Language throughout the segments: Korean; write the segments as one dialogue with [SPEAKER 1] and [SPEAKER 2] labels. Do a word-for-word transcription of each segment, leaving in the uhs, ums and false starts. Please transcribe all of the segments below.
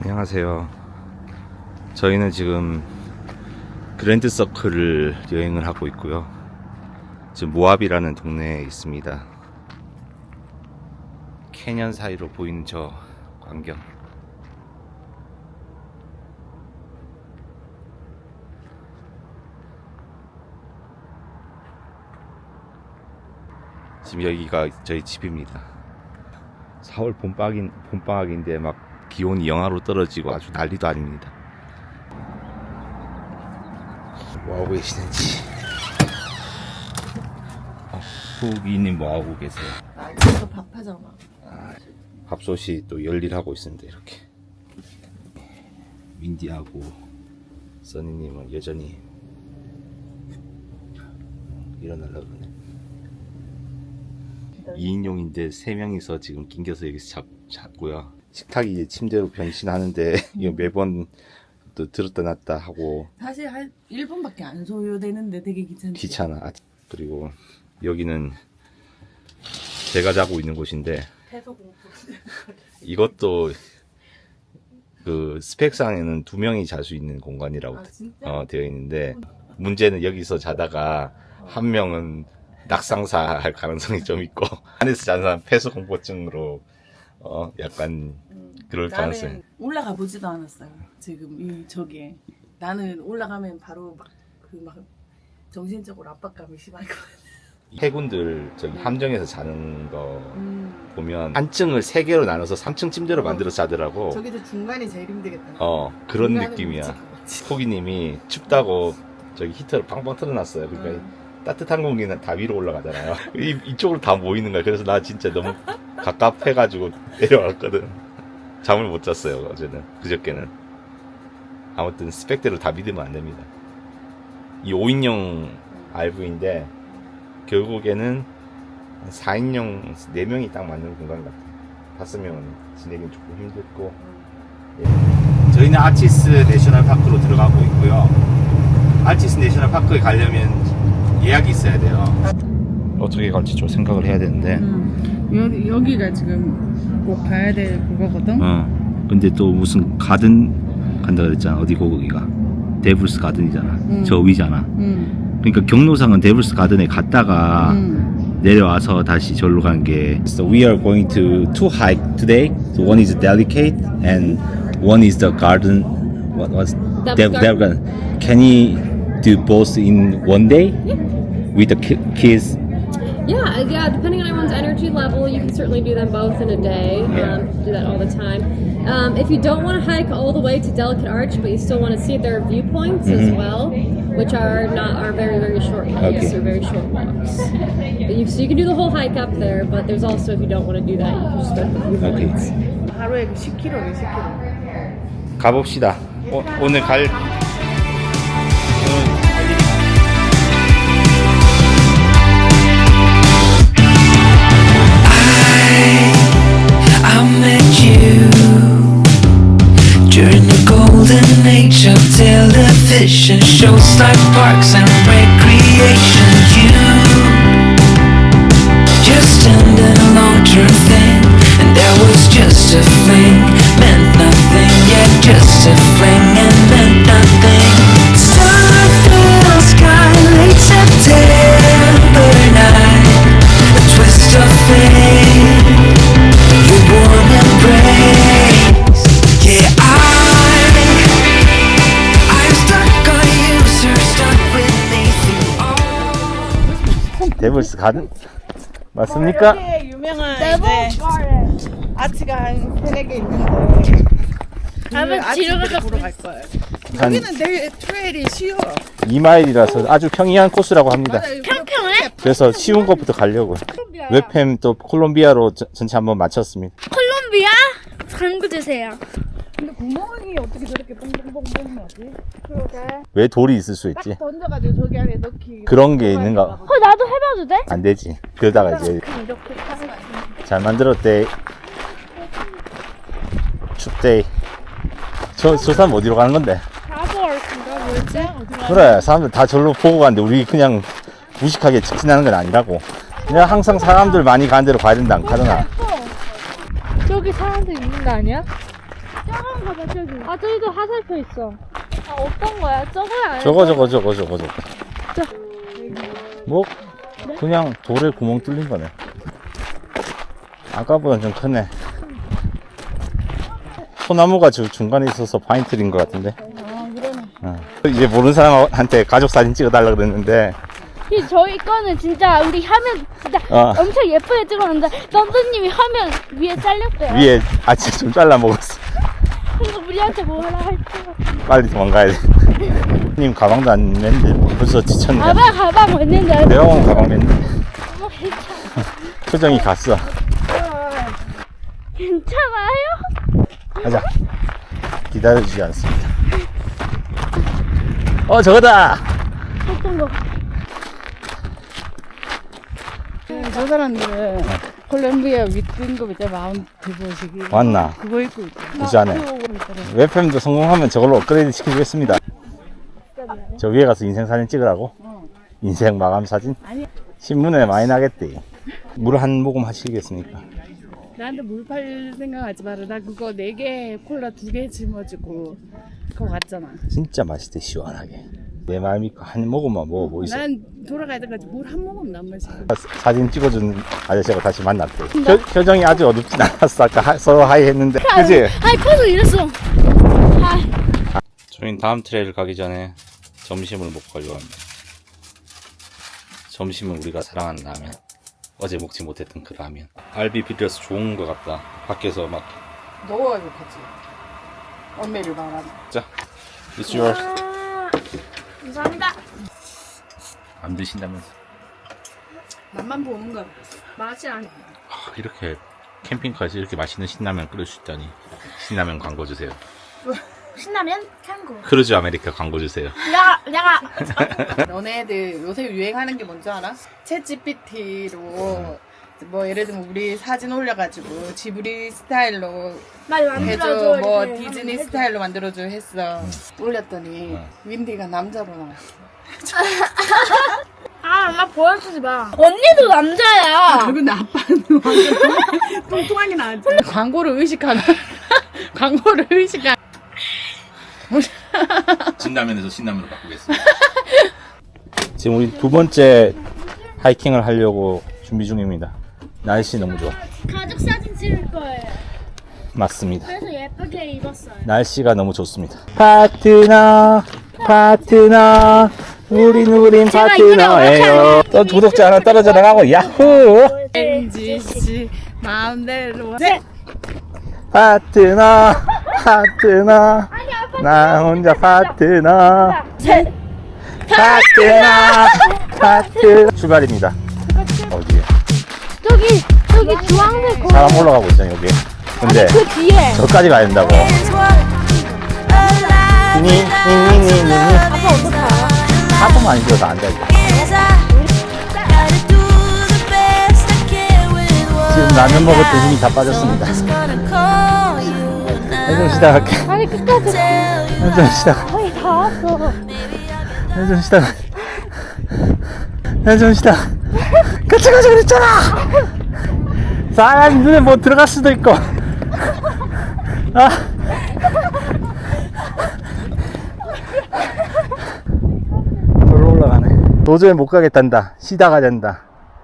[SPEAKER 1] 안녕하세요. 저희는 지금 그랜드 서클을 여행을 하고 있고요. 지금 모압이라는 동네에 있습니다. 캐년 사이로 보이는 저 광경. 지금 여기가 저희 집입니다. 사월 봄방인, 봄방학인데 막 기온이 영하로 떨어지고 아주 난리도 아닙니다. 뭐하고 계시는지. 어, 후기님 뭐하고 계세요?
[SPEAKER 2] 아, 이거 밥하잖아.
[SPEAKER 1] 아, 밥솥이 또 열일하고 있습니다. 이렇게 민디하고 써니님은 여전히 일어나려고 그러네. 이 인용인데 세 명이서 지금 낑겨서 여기서 잡, 잡고요. 식탁이 이제 침대로 변신하는데 이거 매번 또 들었다 놨다 하고
[SPEAKER 2] 사실 한 일 분밖에 안 소요되는데 되게 귀찮지.
[SPEAKER 1] 귀찮아. 아, 그리고 여기는 제가 자고 있는 곳인데 이것도 그 스펙상에는 두 명이 잘 수 있는 공간이라고
[SPEAKER 2] 아, 진짜?
[SPEAKER 1] 어, 되어 있는데 문제는 여기서 자다가 한 명은 낙상사 할 가능성이 좀 있고 안에서 자는 사람 폐소공포증으로 어 약간 그럴
[SPEAKER 2] 나는
[SPEAKER 1] 가능성이.
[SPEAKER 2] 올라가 보지도 않았어요. 지금 이 저기에 나는 올라가면 바로 막 그 막 정신적으로 압박감이 심할 것 같아.
[SPEAKER 1] 해군들 저기 함정에서 자는 거
[SPEAKER 2] 음,
[SPEAKER 1] 보면 한 층을 세 개로 나눠서 삼 층 침대로
[SPEAKER 2] 어.
[SPEAKER 1] 만들어서 자더라고.
[SPEAKER 2] 저기도 중간이 제일 힘들겠다.
[SPEAKER 1] 어 그런
[SPEAKER 2] 중간은
[SPEAKER 1] 느낌이야.
[SPEAKER 2] 미칠 것 같지.
[SPEAKER 1] 포기님이 춥다고 저기 히터를 팡팡 틀어놨어요. 그러니까
[SPEAKER 2] 음.
[SPEAKER 1] 따뜻한 공기는 다 위로 올라가잖아요. 이, 이쪽으로 다 모이는 거야. 그래서 나 진짜 너무 갑갑해가지고 내려왔거든. 잠을 못 잤어요. 어제는. 그저께는. 아무튼 스펙대로 다 믿으면 안 됩니다. 이 오 인용 알브이인데 결국에는 사 인용 네 명이 딱 맞는 공간 같아요. 다섯 명은 지내긴 조금 힘들고. 예. 저희는 아치스 내셔널 파크로 들어가고 있고요. 아치스 내셔널 파크에 가려면 예약이 있어야 돼요. 어떻게 갈지 좀 생각을 해야 되는데.
[SPEAKER 2] 음, 여기, 여기가 지금 꼭 가야 될 그거거든.
[SPEAKER 1] 어. 근데 또 무슨 가든 간다 그랬잖아. 어디고 거기가? 데블스 가든이잖아.
[SPEAKER 2] 음.
[SPEAKER 1] 저 위잖아.
[SPEAKER 2] 음.
[SPEAKER 1] 그러니까 경로상은 데블스 가든에 갔다가
[SPEAKER 2] 음.
[SPEAKER 1] 내려와서 다시 절로 간 게. So we are going to two hike today. So one is delicate and one is the garden. What was
[SPEAKER 3] Devil's
[SPEAKER 1] Dev- Garden? Can you do both in one day?
[SPEAKER 3] Yeah.
[SPEAKER 1] With the ki- kids?
[SPEAKER 3] Yeah, yeah. Depending on everyone's energy level, you can certainly do them both in a day.
[SPEAKER 1] Yeah.
[SPEAKER 3] Um, do that all the time. Um, if you don't want to hike all the way to Delicate Arch, but you still want to see their viewpoints as
[SPEAKER 1] Mhm.
[SPEAKER 3] well, which are not are very very short hikes
[SPEAKER 1] Okay.
[SPEAKER 3] or very short walks. But you, so you can do the whole hike up there, but there's also if you don't want to do that, you can just go to the viewpoints.
[SPEAKER 2] 하루에 그 십 킬로미터, 십 킬로미터.
[SPEAKER 1] 가봅시다. 오, 오늘 갈
[SPEAKER 4] I met you during the golden age of television shows like Parks and Recreation. You just ended a long-term thing, and there was just a fling, meant nothing, yeah, just a fling and meant nothing. Starfilled sky, late September night, a twist of fate. Your warm embrace, yeah, I, I'm stuck on you, sir, stuck with me through all.
[SPEAKER 1] 데블스 가든 맞습니까?
[SPEAKER 2] 여기에 유명한 이제 아치가 한 세네 개 있는데 그 아치들을 보러 갈 거예요.
[SPEAKER 1] 한
[SPEAKER 2] 여기는 되게 트레일이 쉬워.
[SPEAKER 1] 이 마일이라서 아주 평이한 코스라고 합니다.
[SPEAKER 2] 평평해?
[SPEAKER 1] 그래서 쉬운 것부터 가려고. 웹팸 또 콜롬비아로 저- 전체 한번 마쳤습니다.
[SPEAKER 5] 콜롬비아? 당구 주세요.
[SPEAKER 2] 근데 구멍이 어떻게 저렇게 뻥뻥뻥뻥 나지? 그러게.
[SPEAKER 1] 왜 돌이 있을 수 있지?
[SPEAKER 2] 던져가지고 저기 안에 넣기.
[SPEAKER 1] 그런 게 있는가?
[SPEAKER 5] 어, 나도 해봐도 돼?
[SPEAKER 1] 안 되지. 그러다가 이제
[SPEAKER 5] 이렇게 타서.
[SPEAKER 1] 잘 만들었대. 춥대. 저, 저 사람 어디로 가는 건데?
[SPEAKER 5] 바보얼인가 뭐였지?
[SPEAKER 1] 그래, 사람들 다 절로 보고 가는데 우리 그냥 무식하게 직진하는 건 아니라고. 그냥 항상 사람들 많이 가는 데로 가야 된다 안 가더나.
[SPEAKER 5] 저기 사람들 있는 거 아니야? 빨간 거다 저기.
[SPEAKER 3] 아 저기도 화살표 있어.
[SPEAKER 5] 아 어떤 거야? 저거야.
[SPEAKER 1] 저거 저거 저거 저거 저거.
[SPEAKER 5] 저.
[SPEAKER 1] 뭐 그냥 돌에 구멍 뚫린 거네. 아까보단 좀 크네. 소나무가 저 중간에 있어서 파인트리인 것 같은데.
[SPEAKER 2] 아 그러네.
[SPEAKER 1] 어. 이제 모르는 사람한테 가족 사진 찍어달라 그랬는데
[SPEAKER 5] 이 저희 거는 진짜 우리 화면 진짜
[SPEAKER 1] 어.
[SPEAKER 5] 엄청 예쁘게 찍었는데 썬더님이 화면 위에 잘렸대요.
[SPEAKER 1] 위에 아침 좀 잘라 먹었어.
[SPEAKER 5] 그래서 우리한테 뭐라 할지.
[SPEAKER 1] 빨리 도망가야 돼. 님 가방도 안 맸는데 벌써 지쳤네.
[SPEAKER 5] 가방 가방 왔는데.
[SPEAKER 1] 내가 온 가방 맸는데
[SPEAKER 5] 어, 괜찮아.
[SPEAKER 1] 표정이 갔어.
[SPEAKER 5] 괜찮아요?
[SPEAKER 1] 가자. 기다려주지 않습니다. 어 저거다.
[SPEAKER 5] 어떤 거?
[SPEAKER 2] 저 사람들은 콜롬비아 윗등급 이제 마운트 보시기
[SPEAKER 1] 왔나?
[SPEAKER 2] 그거 입고 있죠.
[SPEAKER 1] 그지 않아요. 웹팸도 성공하면 저걸로 업그레이드 시켜주겠습니다. 저 위에 가서 인생 사진 찍으라고? 인생 마감 사진?
[SPEAKER 2] 아니.
[SPEAKER 1] 신문에 많이 나겠대. 물 한 모금 하시겠습니까?
[SPEAKER 2] 나한테 물 팔 생각하지 마라. 나 그거 네 개 콜라 두 개 짊어지고 그거 갔잖아.
[SPEAKER 1] 진짜 맛있대 시원하게. 내 말 믿고 한 모금만 먹어보 있어.
[SPEAKER 2] 난 돌아갈 때까지 물 한 모금 안 마시고.
[SPEAKER 1] 사진 찍어준 아저씨하고 다시 만났대. 표, 표정이 아주 어둡진 않았어. 아까 하, 서로 하이 했는데. 그지?
[SPEAKER 5] 아이 커서 이랬어. 아,
[SPEAKER 1] 저희는 다음 트레일 가기 전에 점심을 먹고 가려고 합니다. 점심은 우리가 사랑하는 라면. 어제 먹지 못했던 그 라면. 알비 비려서 좋은 것 같다. 밖에서 막.
[SPEAKER 2] 넣어가지고 같이 엄매를 말하면.
[SPEAKER 1] 자, it's yours.
[SPEAKER 5] 감사합니다.
[SPEAKER 1] 안 드신다면서.
[SPEAKER 2] 맛만 보는 거야.
[SPEAKER 5] 맛이 안.
[SPEAKER 1] 아, 이렇게 캠핑카에서 이렇게 맛있는 신라면 끓일 수 있다니. 신라면 광고 주세요.
[SPEAKER 5] 신라면 캔고.
[SPEAKER 1] 크루즈 아메리카 광고 주세요.
[SPEAKER 5] 야, 내가
[SPEAKER 2] 너네들 요새 유행하는 게 뭔지 알아? 챗 지피티로 뭐 예를 들면 우리 사진 올려가지고 지브리 스타일로
[SPEAKER 5] 말
[SPEAKER 2] 해줘,
[SPEAKER 5] 만들어줘.
[SPEAKER 2] 뭐
[SPEAKER 5] 이렇게
[SPEAKER 2] 디즈니
[SPEAKER 5] 하면
[SPEAKER 2] 스타일로 만들어줘 했어. 올렸더니
[SPEAKER 1] 응.
[SPEAKER 2] 윈디가 남자로 나왔어.
[SPEAKER 5] 아, 나 보여주지 마. 언니도 남자야.
[SPEAKER 2] 근데 아빠는 완전 뚱뚱하게 나왔지. 광고를 의식하는 광고를 의식한.
[SPEAKER 1] 진라면에서 신라면으로 바꾸겠습니다. 지금 우리 두 번째 하이킹을 하려고 준비 중입니다. 날씨 너무 좋아.
[SPEAKER 5] 가족 사진 찍을 거예요.
[SPEAKER 1] 맞습니다.
[SPEAKER 5] 그래서 예쁘게 입었어요.
[SPEAKER 1] 날씨가 너무 좋습니다. 파트너, 파트너, 우린 우린
[SPEAKER 5] 제가 이거를
[SPEAKER 1] 파트너예요. 또 구독자 하나 떨어져 나가고 야호!
[SPEAKER 2] 엠지씨 마음대로. 네.
[SPEAKER 1] 파트너, 파트너, 나 혼자 파트너,
[SPEAKER 5] 셋.
[SPEAKER 1] 파트너, 파트너. 출발입니다. 어디에?
[SPEAKER 5] 저기 저기 주황색 거.
[SPEAKER 1] 사람 올라가고 있잖아 여기. 근데
[SPEAKER 5] 그 뒤에.
[SPEAKER 1] 저까지 가야 된다고. 니니니니니.
[SPEAKER 5] 아빠 어떡해요?
[SPEAKER 1] 하품만 안 해도 다 앉아 있다. 지금 라면 먹었던 힘이 다 빠졌습니다. 해좀 시작할게.
[SPEAKER 5] 아니 끝까지.
[SPEAKER 1] 해좀 시작.
[SPEAKER 5] 거의 다 왔어.
[SPEAKER 1] 해좀 시작. 해좀 시작. 같이 가자 그랬잖아. 사람 눈에 뭐 들어갈 수도 있고. 아. 돌로 올라가네. 도저히 못 가겠단다. 쉬다가 된다.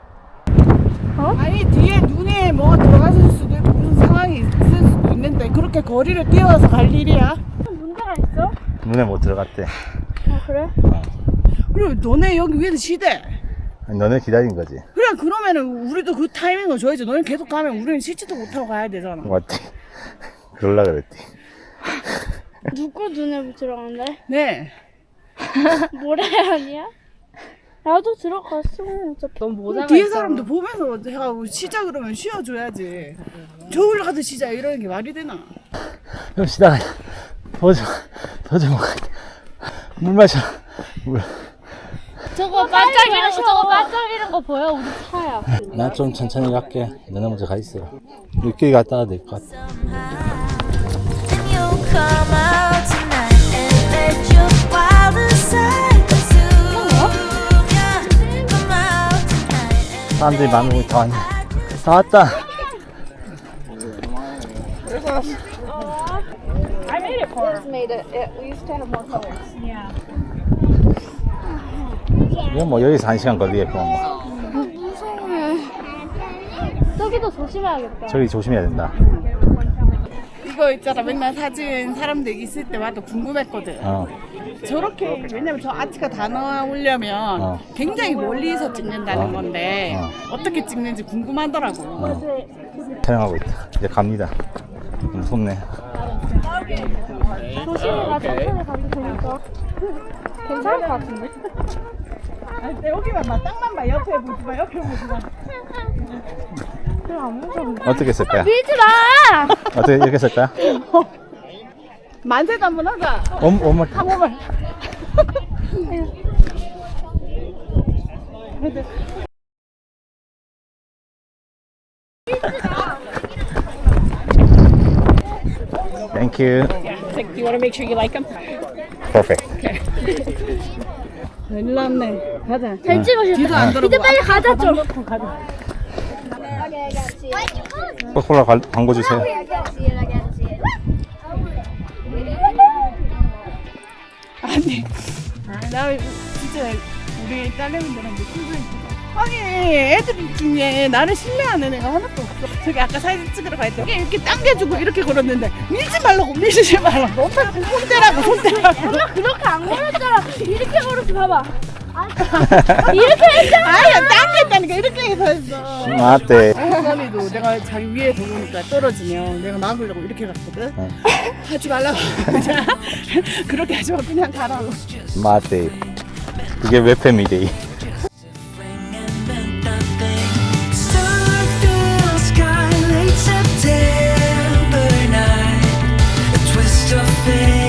[SPEAKER 2] 아니 뒤에 눈에 뭐가 들어갔을 수도 있고 무슨 상황이 있을 수도 있는데 그렇게 거리를 뛰어서 갈 일이야?
[SPEAKER 5] 문제가 있어?
[SPEAKER 1] 눈에 못 들어갔대.
[SPEAKER 5] 아 그래?
[SPEAKER 2] 그리고 너네 여기 위에서 쉬대.
[SPEAKER 1] 아니, 너네 기다린 거지.
[SPEAKER 2] 그래 그러면은 우리도 그 타이밍을 줘야지. 너네 계속 가면 우리는 쉬지도 못하고 가야 되잖아.
[SPEAKER 1] 맞지? 그럴라 그랬지.
[SPEAKER 5] 누구 눈에 들어간대?
[SPEAKER 2] 네.
[SPEAKER 5] 모래 아니야? 나도 들어갔어. 어차피.
[SPEAKER 2] 넌 모자가 뒤에 사람도 보면서 내가 쉬자 그러면 쉬어줘야지. 저 올라가서 쉬자 이러는 게 말이 되나?
[SPEAKER 1] 좀 쉬다가 도저 도저 먹어. 물 마셔. 물.
[SPEAKER 5] 저거 반짝이는 거 저거 반짝이는 거 보여? 우리 차야.
[SPEAKER 1] 나 좀 천천히 갈게. 너네 먼저 가 있어. 늦게 갔다 와도 될 것 같아.
[SPEAKER 4] Come out tonight and let your wildest side consume ya. Come out tonight and
[SPEAKER 1] 사람들이 많으면 다 왔네. 다 왔다.
[SPEAKER 3] made it for
[SPEAKER 6] It's made it. it. We used to have more colors.
[SPEAKER 3] Yeah.
[SPEAKER 1] 이건 뭐 여기서 한 시간 걸리겠고 뭐.
[SPEAKER 5] 저기도 조심해야겠다.
[SPEAKER 1] 저기 조심해야 된다.
[SPEAKER 2] 이거 있잖아. 맨날 사진 사람들 있을 때마다 궁금했거든.
[SPEAKER 1] 어.
[SPEAKER 2] 저렇게 왜냐면 저 아치가 다 나오려면
[SPEAKER 1] 어.
[SPEAKER 2] 굉장히 멀리서 찍는다는
[SPEAKER 1] 어.
[SPEAKER 2] 건데
[SPEAKER 1] 어.
[SPEAKER 2] 어떻게 찍는지 궁금하더라고.
[SPEAKER 1] 어. 촬영하고 있다. 이제 갑니다. 무섭네.
[SPEAKER 5] 조심히 가, 천천히 가도 되니까. 괜찮을 것 같은데?
[SPEAKER 2] 아니, 여기만 봐. 땅만 봐. 옆에 보지 마. 옆에 보지 마.
[SPEAKER 5] 그럼 안 무서워.
[SPEAKER 1] 어떻게 쓸까요?
[SPEAKER 5] 밀지 마!
[SPEAKER 1] 어떻게 이렇게 쓸까요?
[SPEAKER 2] 만세도 한번 하자.
[SPEAKER 1] 옴, 옴을.
[SPEAKER 2] 한 번만.
[SPEAKER 1] Thank you.
[SPEAKER 3] Do you want to make sure you like them?
[SPEAKER 1] Perfect.
[SPEAKER 2] 일로 왔네. 가자.
[SPEAKER 5] 잘 찍으셨다.
[SPEAKER 2] 뒤도 안
[SPEAKER 5] 이제
[SPEAKER 2] 돌아보고.
[SPEAKER 5] 빨리 가자, 좀.
[SPEAKER 6] Okay, I gotta see it.
[SPEAKER 1] 코카콜라 관- 광고 주세요.
[SPEAKER 6] I gotta see it. I gotta see it.
[SPEAKER 2] 아니, 나 진짜 우리 딸내미들한테 신고해. 아니, 애들 중에 나를 신뢰하는 애가 하나도 없어. 저기 아까 사진 찍으러 갈 때 이렇게 당겨주고 이렇게 걸었는데 밀지 말라고 밀지 말라고. 손대라고 손대라고.
[SPEAKER 5] 엄마 그렇게 안 걸었잖아. 이렇게 걸었지, 봐봐. 이렇게 했잖아.
[SPEAKER 2] 아니야, 당겼다니까 이렇게 해서 했어.
[SPEAKER 1] 맞대.
[SPEAKER 2] 사람이도 내가 자기 위에서 오니까 떨어지면 내가 막으려고 이렇게 갔거든.
[SPEAKER 1] 어.
[SPEAKER 2] 하지 말라고. 그냥 그렇게 하지 마. 그냥 가라고.
[SPEAKER 1] 맞대. 그게 웹팸이데.
[SPEAKER 4] fling and meant nothing. Star-filled sky, late September night, a twist of fate.